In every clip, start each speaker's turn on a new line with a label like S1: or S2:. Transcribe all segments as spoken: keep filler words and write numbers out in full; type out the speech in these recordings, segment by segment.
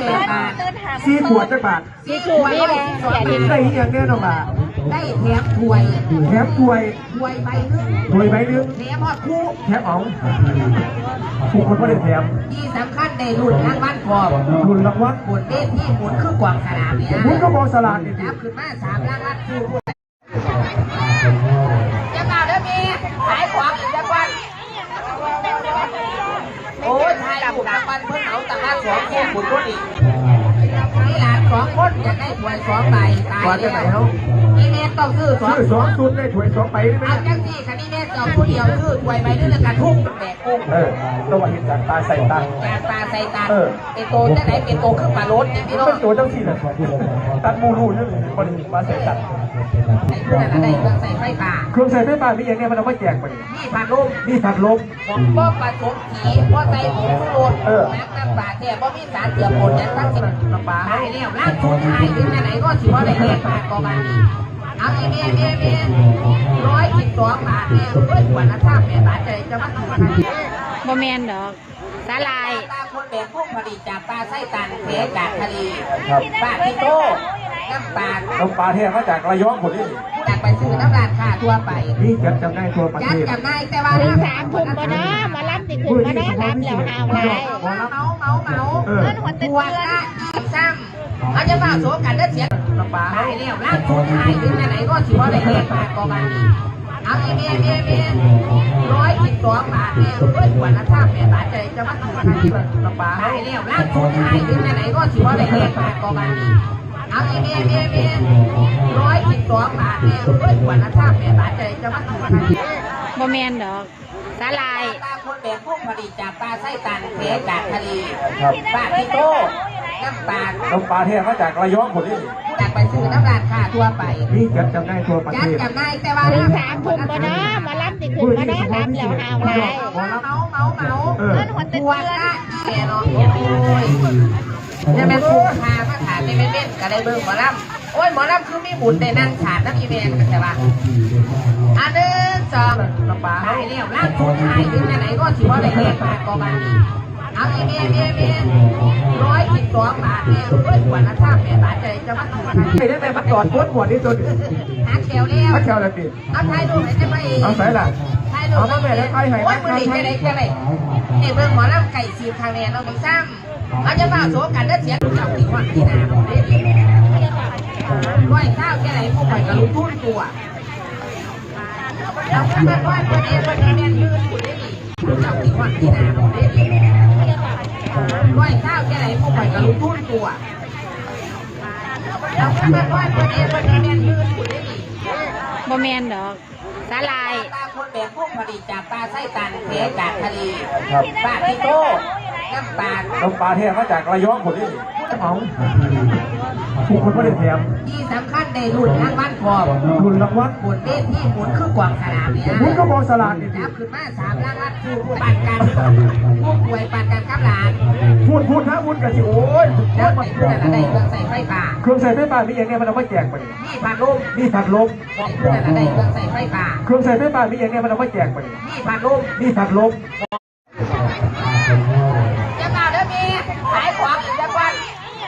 S1: สี่ขวดจักบาท
S2: สี่ขวด
S1: ได้อย่างแน่นอนบาท
S2: ได้แถมถ้วย
S1: แถมถ้วย
S2: ถ้วยใบนึง
S1: ถ้วยใบนึง
S2: แถมหอดคู่
S1: แถมอ๋องผู้คนก็ได้แถม
S2: ที่สำคัญในรุ่นรางวัลพอ
S1: รุ่นรางวัล
S2: หมุนเล่นที่หมุนคือกวางสลากเนี่ย
S1: หมุนก็มองสลากนี่
S2: นับขึ้นมาสามรางวัลคู่จะมาเด้อมีขายของอีกจังวันโอ้ยทายบุญรางวัลเพิ่งเอาตะการสองคู่บุญรุ่นอีกนี่หลานสองคนอยากได้ถวยสองใบตายแล้วนี่แม่ต้องซื้อสอง
S1: ซื้อสองชุดได้ถวยสองใบได้ไหม
S2: เอาจังสี่คันนี้แม่สองผู้เดียวซื้อถวยใบนึงแล้วกระทุ่งแบกกุ้ง
S1: เออตัวเห็นจากตาใส่ตา
S2: จากตาใส่ตาเป็นโตจะไหนเป็นโตขึ้นมาลดนี่พี่น้อง
S1: เป็นตัวเจ้าที่เลยตัดมูรูนี่คนมาใส่ตัด
S2: ไอ้เพื่อนอะไรเครื่องใส่ไฟฟ้า
S1: เครื่องใส่ไฟฟ้ามีอย่างเนี้ยมันเอาไว้แจกไป
S2: นี่พัดลม
S1: นี่ผัดลม
S2: ผมก็ผสมผีก็ใส่ผงชูรสน้ำน้ำปลาเนี่ยก็มีสารเสื่อมผลนั้นทั้งสิ้นน้ำปลาให้แล้วร่างทุนให้ถึงไหนก็ถือว่าได้เลี้ยงปลากอบานีเอาเอเมเอเมร้อยสิบสองบาทเนี่ยเพื่อนกว่าละท่าแม่บาทใจจะมาถูกกัน
S3: บ่แมนดอกสาลาย
S2: ตาคนแบบพวกผลิตจากปลาไส้ตันเทจากทะเลปลาพิโตน้ำปลา
S1: น้ำปลาเทมาจากระยองคนนี้
S2: จากไปซื้อน้ำราดค่าทั่วไป
S1: นี่จัดจำได้ทั่วประเทศ
S2: จัดจำได้แต่ว่า
S3: ถึงสามทุ่มบ่เนาะมาล้ำติดขึ้นบ่เนาะล้ำแล้วหาวไร
S2: เมาเมาเมาเมาเงินหัวตัวละยี่ซ้ำเขาจะมาโสกันเลือดเสียน้ำปลาให้แล้วร่างทุนให้ถึงไหนก็ถือว่าได้เลี้ยงปลากอบานีเอาเอเมเอเมร้อยสิบสองบาทเนี่ยเพื่อนกว่าละท่าแม่บาทใจจะมาถูกกันน้ำปลาให้แล้วร่างทุนให้ถึงไหนก็ถือว่าได้เลี้ยงปลากอบานีเอาเอเมเอเมร้อยสิบสองบาทเนี่ยเพื่อนกว่าละท่าแม่บาทใจจะมาถูกกัน
S3: บ่แมนดอกสาลาย
S2: ตาคนแบบพวกผลิตจากปลาไส้ตันเทจากทะเลปลาพิโตน้ำปลา
S1: น้ำปลาเทมาจากระยองคนนี้
S2: จากไปซื้อน้ำราดค่าทั่วไป
S1: นี่จัดจำได้ทั่วประเทศ
S2: จัดจำได้แต่ว่า
S3: ถึงสามทุ่มบ่เนาะมาล้ำติดขึ้นบ่เนาะล้ำแล้วหาวไร
S2: เมาเมาเมาเมาเงินหัวตัวละแก่เนาะโอ้ยเนี่ยแม่คู่พามาถามในแม่เม่นก็ได้เบิ่งหมอลำโอ้ยหมอลำคือมีบุญได้นั่งฉาดน้ำอีเมนกันแต่ว่าอันหนึ่งสองน้ำปลาให้แล้วร่างทุนให้ถึงไหนก็ถือว่าได้เลี้ยงปลากอบานีเอาเอเมเอเมร้อยสิบสองบาทเนี่ยเพื่อนกว่าละท่าแม่บาทใจจะมาถูกกัน
S1: ไม่ได้แต่มาจอดปวดปวดนี่ตัวนี้
S2: หาแถวแล้ว
S1: หาแถวแล้วดิ
S2: เอาไทยดูไหนจะไป
S1: เอาใส่ละเอามาแม่แล้วไปให้
S2: โอ้ยมือดีจะได้จะได้เนี่ยเบิ่งหมอลำไก่สีทางแนนเราไม่ซ้ำเขาจะมาโสกันแล้วเสียงเจ้าที่วันที่นาผมได้ดีร้อยข้าวแค่ไหนพวกข่อยก็รู้ทุ่นตัวเราก็มาว่าตัวเองวันนี้แม่ยืนอยู่ได้ดีเจ้าที่วันที่นาผมได้ดีร้อยข้าวแค่ไหนพวกข่อยก็รู้ทุ่นตัวเราก็มาว่าตัวเองวันนี้แม่ยืนอยู่ได้ดี
S3: บ่แมนดอกสาลาย
S2: ตาคนแบบพวกผลิตจากปลาไส้ตันเทจากทะเลปลาพิโตน้ำปลา
S1: น้ำปลาเทมาจากระยองคนนี้อ๋องผู้คนก็ได้แถม
S2: ที่สำคัญในรุ่นรางวัลพอ
S1: รุ่นรางวัล
S2: หมุนเล่นที่หมุนคือกวางสลากเนี่ย
S1: หมุนก็มองสลากนี่
S2: นับขึ้นมาสามรางวัลคือปั่นกันผู้ป่วยปั่นกันกับหลาน
S1: พูดพูดนะพูดกันสิโอ้ย
S2: แล้วไอ้เพื่อนอะไรเครื่องใส่ไฟฟ้า
S1: เครื่องใส่ไฟฟ้ามีอย่างเนี้ยมันเอาไว้แจกไป
S2: นี่พัดลม
S1: นี่ผัดลม
S2: ไอ้เพื่อนอะไรเครื่องใส่ไฟฟ้า
S1: เครื่องใส่ไฟฟ้ามีอย่างเนี้ยมันเอาไว้แจกไป
S2: นี่พัดลม
S1: นี่ผัดลม
S2: จะมาเด้อมีขายของอีกจังวัน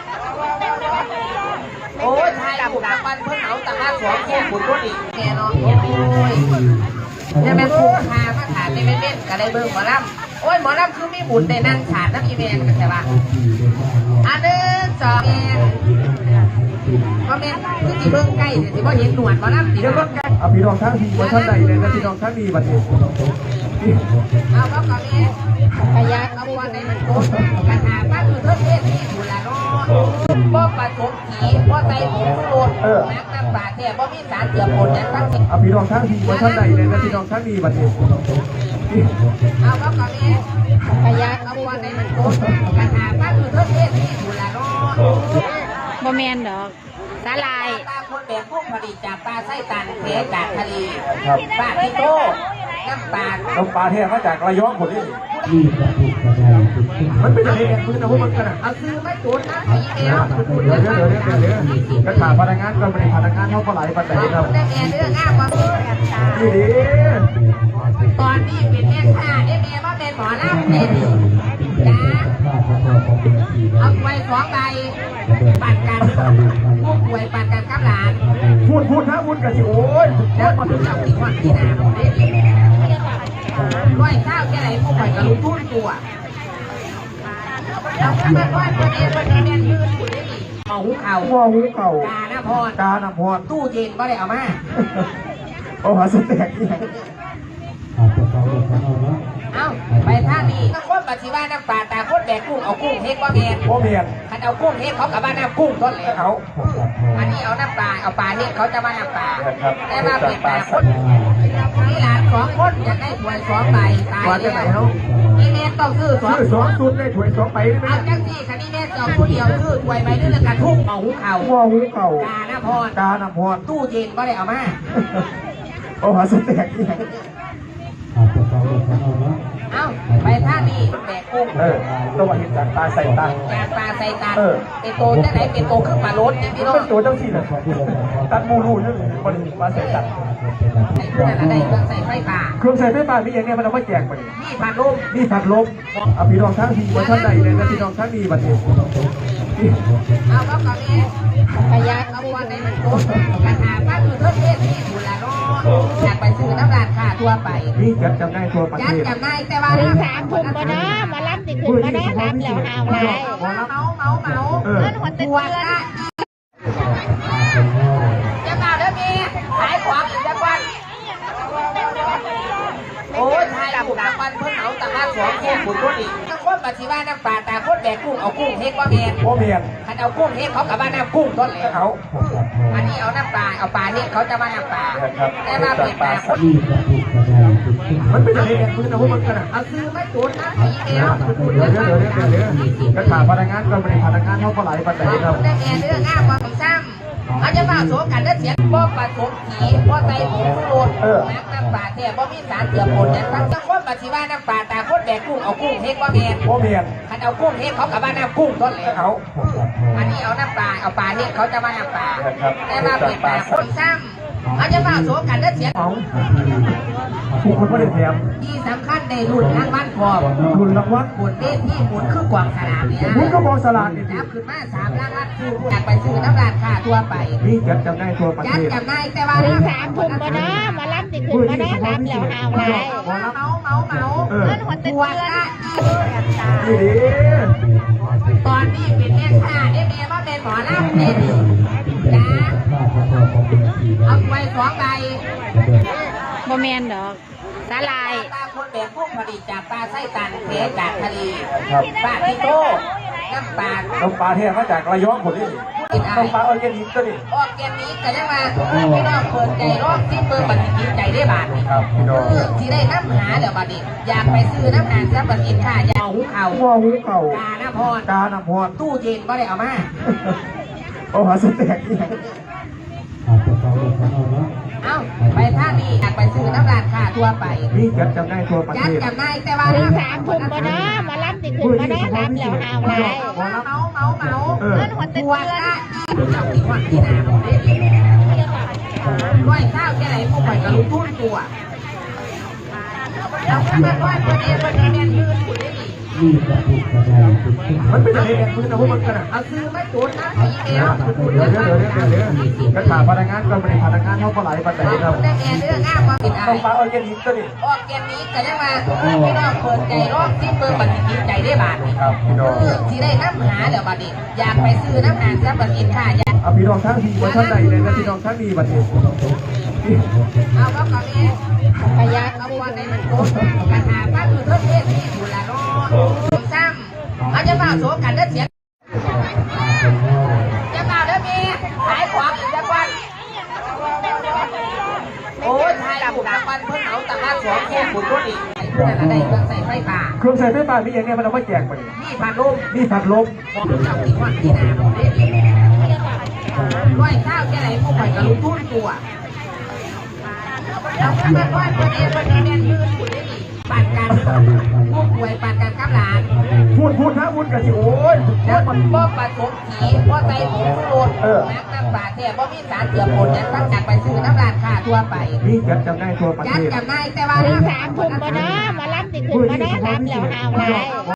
S2: โอ้ยทายบุญรางวัลเพิ่งเอาตะการสองคู่บุญรุ่นอีกแกเนาะโอ้ยเนี่ยแม่คู่พามาถามในแม่เม่นก็ได้เบิ่งหมอลำโอ้ยหมอลำคือมีบุญได้นั่งฉาดน้ำอีเมนกันแต่ว่าอันหนึ่งสองก็แม่คือที่เบิ่งใกล้ที่ว่าเห็นหนวดหมอลำตี
S1: เดี๋ยวก็เอาพี่น้องทั้งทีมาท่านใดเลยนะพี่น้องทั้งดีบัดนี้
S2: เอาก็ก็แม่ขยันเอาวันในมันโกกระถางบ้านคือเทศเทศที่บุญละเนาะบ่ผสมผีบ่ใส่ผงชูรสน้ำน้ำปลาแท้บ่มีสารเสื่อมผลนั้นทั้งสิ้น
S1: เอาพี่น้องทั้งทีมาท่านใดเลยนะพี่น้องทั้งดีบัดนี้
S2: เอาก็ก็แม่ขยันเอาวันในมันโกกระถางบ้านคือเทศเทศที่บุญละเนาะ
S3: บ่แมนดอกสาลาย
S2: ตาคนแบบพวกผลิตจากปลาไส้ตันเทจากทะเลปลาพิโตน้ำปลา
S1: น้ำปลาเทมาจากระยองคนนี้มันเป็นอะไรเนี่ยคุณจะพูดมันกันอ่ะ
S2: เอาซื้อไม่จุดนะอีเมล
S1: เดี๋ยวเดี๋ยวเดี๋ยวเดี๋ยวเดี๋ยวกระถางพนักงานก็ไม่ได้พนักงานเท่าไหร่ปัจจัยครับ
S2: ได้แม่เรื่องอ้าวมา
S1: ดีดี
S2: ตอนนี้เป็นแม่ค้าได้แม่ว่าเป็นหมอลำเด่นจ้าเอาไว้สองใบปั่นกันผู้ป่วยปั่นกันกับหลาน
S1: พูดพูดนะพูดกันสิโอ้ย
S2: แล้วคนเจ้าที่คนที่นาผมได้ดีร้อยข้าวแค่ไหนผู้ป่วยกับลูกทุ่นตัวเราแค่มาร้อยคนเองคนนี้แม่ยืนอยู่ได้ดีเอาหูเข่า
S1: ว่าหูเก่าก
S2: าหน้าพร
S1: กาหน้าพร
S2: ตู้เย็นก็ได้เอามา
S1: เอาหาสแต็กนี่
S2: เอาไปท่านี้ถ้าคนปัจจุบันน้ำปลาตาคนแบกกุ้งเอากุ้งเฮ็ดว่าแมน
S1: พ่อเมียน
S2: คันเอากุ้งเฮ็ดเขากับบ้านน้ำกุ้งต้นเลย
S1: เขา
S2: อันนี้เอาน้ำปลาเอาปลาเฮ็ดเขาจะมาน้ำปลา
S1: ครับ
S2: แต่มาเป็นปลาคนนี่หลานสองคนอยากได้ถ้วยสองใบตายแล้วนี่แม่ต้องซื้อสอง
S1: ชื่อสองสุดได้ถวยสองไปได้ไหม
S2: เอาจังสี่คันนี้แม่สองผู้เดียวซื้อถ้วยใบนึงแล้วกันทุกเอาหูเข่า
S1: ว่าหูเก่าก
S2: าหน้าพร
S1: กาหน้าพร
S2: ตู้เย็นก็ได้เอามา
S1: เอาหาสแต็กนี่
S2: เอาไปท่านี้แบกกุ้ง
S1: เออตัวเห็นจากตาใส่ตา
S2: ยางปลาใส่ตา
S1: เออ
S2: เป็นโตจะไหนเป็นโตขึ้นปลาลดนี่พี่น้อง
S1: เป็นตัวเจ้าที่เลยตัดมูรูนี่เลยบริมาใส่ตัด
S2: ใส่เครื่องอะไรเครื่องใส่ไฟฟ้า
S1: เครื่องใส่ไฟฟ้ามีอย่างเนี้ยมันเอาไว้แจกไป
S2: นี่พัดลม
S1: นี่ผัดลมเอาพี่น้องทั้งทีวันท่านใดเลยนะพี่น้องทั้งดีบัดนี้
S2: เอาก็ก่อนนี้
S3: พยัก
S2: เอาวันไหนมันโตกระถาป้าคือเพิ่มเทศที่ดูแลรออยากไปซื้อน้ำร้านค่ะทั่วไป
S1: นี่จัดจำได้ทั่วประ
S2: ยั
S1: เท
S2: ด
S1: ศ
S2: จำได้แต่ว่า
S3: ถึงสามทุ่มบ่เนาะมารับติขึ้นมาเนาะรับแล้วหาวไร
S2: เมาเมาเมาเมา
S1: เออ
S3: เงินหัว
S2: ป
S3: เตื
S2: ว
S3: อ
S2: ด
S3: น
S2: ละจะมาเด้อมีขายของอีกจังวันโอ้ยทายบุกจังวันเพิ่งเอาตะมาสองคู่บุญรุ่นอีกถ้าคนปัจจุบันน้ำปลาตาคนแบกกุ้งเอากุ้งเฮ็ดว่าแมน
S1: พ่อเมียน
S2: คันเอากุ้งเฮ็ดเขากับบ้านน้ำกุ้งต้นเลย
S1: เขา
S2: อันนี้เอาน้ำปลาเอาปลาเฮ็ดเขาจะมาน้ำปลาแต่มาเป็นปลาคน
S1: มันเป็นอะไรเนี่ยคุณจะพูดมันกันอ่ะ
S2: เอาซื้อมาจุดนะผีเดียว
S1: เดี๋ยวเดี๋ยวเดี๋ยวเดี๋ยวเดี๋ยวกระถาพนักงานก็ไม่ได้พนักงานเขาก็ไหลปัจจัยครับ
S2: ได้แง่เรื่องง่ามความซ้ำอาจจะมาโสกันได้เสียงบ่ปลาสมผีบ่ใส่หมูโรดน้ำน้ำปลาแท้บ่มีสารเสื่อมผลเนี่ยทั้งทั้งคนปัจจุบันน้ำปลาตาคนแบกกุ้งเอากุ้งเฮ็ดว่าแมน
S1: พ่อเมียน
S2: คันเอากุ้งเฮ็ดเขากับบ้านน้ำกุ้งต้นเลย
S1: เขา
S2: อันนี้เอาน้ำปลาเอาปลาเฮ็ดเขาจะมาน้ำปลาแต่มาเป็นปลาคนซ้ำอาจจะมาโสกันได้เสียง
S1: เขาผู้คนไม่ได้แถม
S2: ที่สำคัญในรุ่นทางบ้านพอ
S1: ทุนรางวัล
S2: บุญเต้นที่บุญคือกวางสลามเนี่ย
S1: คุณก็บอกสลากนี่
S2: นับขึ้นมาสามล้านล้านคืออยากไปซื้อน้ำร้านค้าทั่วไป
S1: นี่จัดจำได้ทั่วประ
S2: ยั
S1: เท
S2: ด
S1: ศ
S2: จำได้แต่ว่า
S3: ถึงสามทุ่มบ่เนาะมารับติขึ้นมาเนาะรับแล้วหาวไร
S2: เมาเมาเมาเมา
S1: เออ
S3: เงินหัวเตื
S2: ป
S3: อ
S2: วด
S3: น
S2: ละ
S1: นี่ดิ
S2: ตอนนี้เป็นแม่ค้าได้เมียว่าเป็นหมอลำเนี่ยจ้าเอาไว้สองใบ
S3: บ่แมนดอกสาลาย
S2: ตาคนแบบพวกผลิตจากปลาไส้ตันเทจากทะเล
S1: ครับ
S2: ปลาพิโต้น้ำปลา
S1: น้ำปลาเทมาจากระยองคนนี้น้ำปลาออร์แกนิกก็นี่
S2: ออกเกมนี้กันยังมาพี่น้องเปิดใจรอบที่เปิดบัตรกินใจได้บาทนี่
S1: ครับพี่น้อง
S2: คือที่ได้น้ำหาเดี๋ยวบัดนี้อยากไปซื้อน้ำหาซับบัตรกินค่ะอยากเอาหูเข่า
S1: ว่าหูเก่าก
S2: าหน้าพร
S1: กาหน้าพร
S2: ตู้เย็นก็ได้เอามา
S1: เอาหาสแต็กนี่
S2: เอาไปท่านี้อยากไปซื้อน้ำร้านค้าทั่วไป
S1: นี่จัดจำได้ทั่วประ
S2: ยั
S1: เท
S2: ด
S1: ศ
S2: จำได้แต่ว่า
S3: ถึงสามทุ่มบ่เนาะมารับติขึ้นมาเนาะรับแล้วหาวไร
S2: เมาเมาเมาเมา
S1: เออ
S3: เงินหัวเตื
S2: ป
S3: อ
S2: วน ดละเจ้าที่คนที่นาผมได้ดีร้อยข้าวแค่ไหนผู้ป่วยกับลูกทุ่นตัวเราแค่มาร้อยคนเองคนนี้แม่ยืนอยู่ได้ดี
S1: มันเป็นอะไรเนี่ยคุณจะพูดมันกันอ่ะ
S2: เอาซื้อมาจุดนะผีเดียว
S1: เดี๋ยวเดี๋ยวเดี๋ยวเดี๋ยวเดี๋ยวกระถาพนักงานก็ไม่ได้พนักงานเขาก็ไหลปัจจัยครับ
S2: ได้แง่เรื่องง่ามความผิดอะไร
S1: น้ำปลาออร์แกนิกก็นี่
S2: ออกเกมนี้กันยังมาพี่น้องเปิดใจรอบที่เปิดบัตรกินใจได้บาทนี่
S1: ครับพี่น้อง
S2: คือที่ได้น้ำหาเดี๋ยวบัดนี้อยากไปซื้อน้ำหาซับบัตรกินค่ะอยาก
S1: เอาพี่น้องทั้งทีวันท่านใดเลยนะพี่น้องทั้งดีบัดนี้
S2: เอาก็ก่อนนี้
S3: พยัก
S2: เอาวันไหนมันโกงกระถาป้าคือเพิ่มเทศที่ดูแลรอผมซ้ำอาจจะมาโสกันได้เสียงจะมาเด้อมีขายของอีกจังวันโอ้ยทายบุกจังวันเพิ่งเอาตะมาสองคู่บุญรุ่นอีกเพื่อนอะไรเครื่องใส่ไฟฟ้า
S1: เครื่องใส่ไฟฟ้ามีอย่างเนี้ยมันเอาไว้แจกไป
S2: นี่พัดลม
S1: นี่ผัดลม
S2: เจ้าที่คนที่นาผมได้ดีร้อยข้าวแค่ไหนผู้ป่วยกับลูกทุ่นตัวเราแค่มาร้อยคนเองคนนี้แม่ยืนอยู่ได้ดีปั่นกันผู้ป่วยปั่นกันกับหลาน
S1: พูดพูดนะพูดกันสิโอ้ย
S2: แล้วมันบ่ปลาสมผีบ่ใส่หมูโรดน้ำน้ำปลาแท้บ่มีสารเสื่อมผลเนี่ยตั้งจากไปซื้อน้ำร้านค้าทั่วไป
S1: นี่จัดจำได้ทั่วประ
S2: ยั
S1: เท
S2: ด
S1: ศ
S2: จำได้แต่ว่า
S3: ถึงสามทุ่มบ่เนาะมารับติขึ้นมาเนาะรับแล้วหาวไร